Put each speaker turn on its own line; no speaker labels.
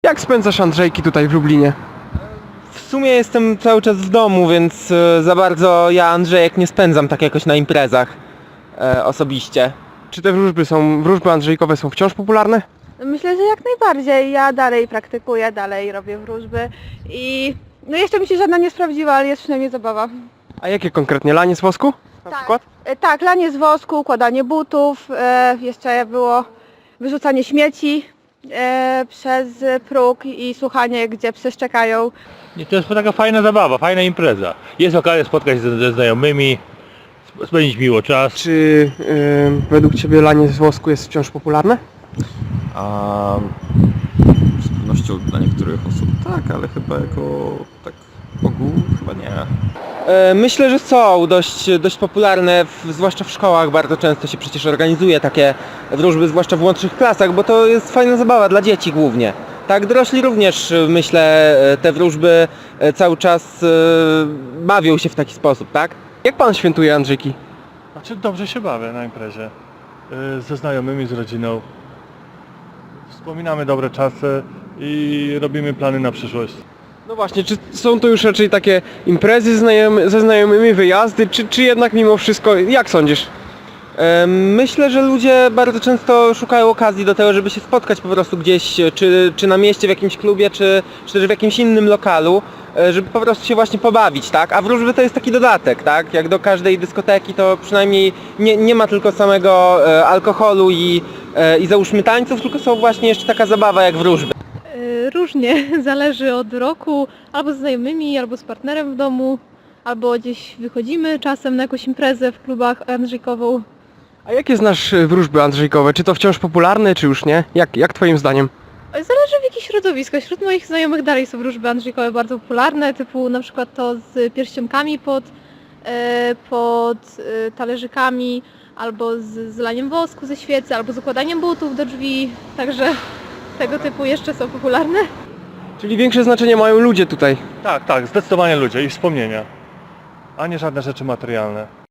Jak spędzasz Andrzejki tutaj w Lublinie?
W sumie jestem cały czas w domu, więc za bardzo ja Andrzejek nie spędzam tak jakoś na imprezach osobiście.
Czy te wróżby andrzejkowe są wciąż popularne?
Myślę, że jak najbardziej. Ja dalej praktykuję, dalej robię wróżby i no jeszcze mi się żadna nie sprawdziła, ale jest przynajmniej zabawa.
A jakie konkretnie? Lanie z wosku? Na przykład?
Tak, lanie z wosku, układanie butów, jeszcze było wyrzucanie śmieci przez próg i słuchanie, gdzie psy szczekają.
I to jest taka fajna zabawa, fajna impreza. Jest okazja spotkać się ze znajomymi, spędzić miło czas.
Czy według Ciebie lanie z wosku jest wciąż popularne?
A z pewnością dla niektórych osób tak, ale chyba jako tak ogół chyba nie.
Myślę, że są dość popularne, zwłaszcza w szkołach bardzo często się przecież organizuje takie wróżby, zwłaszcza w młodszych klasach, bo to jest fajna zabawa dla dzieci głównie. Tak, dorośli również, myślę, te wróżby cały czas bawią się w taki sposób, tak?
Jak Pan świętuje Andrzejki?
Znaczy dobrze się bawię na imprezie. Ze znajomymi, z rodziną. Wspominamy dobre czasy i robimy plany na przyszłość.
No właśnie, czy są to już raczej takie imprezy ze znajomymi, wyjazdy, czy jednak mimo wszystko, jak sądzisz?
Myślę, że ludzie bardzo często szukają okazji do tego, żeby się spotkać po prostu gdzieś, czy na mieście, w jakimś klubie, czy też w jakimś innym lokalu, żeby po prostu się właśnie pobawić, tak? A wróżby to jest taki dodatek, tak? Jak do każdej dyskoteki, to przynajmniej nie ma tylko samego alkoholu i załóżmy tańców, tylko są właśnie jeszcze taka zabawa jak wróżby.
Różnie, zależy od roku, albo z znajomymi, albo z partnerem w domu, albo gdzieś wychodzimy czasem na jakąś imprezę w klubach andrzejkową.
A jakie znasz wróżby andrzejkowe? Czy to wciąż popularne, czy już nie? Jak Twoim zdaniem?
Zależy w jakich środowiskach. Wśród moich znajomych dalej są wróżby andrzejkowe bardzo popularne, typu na przykład to z pierścionkami pod talerzykami, albo z laniem wosku ze świecy, albo z układaniem butów do drzwi, także tego typu jeszcze są popularne.
Czyli większe znaczenie mają ludzie tutaj.
Tak, zdecydowanie ludzie i wspomnienia, a nie żadne rzeczy materialne.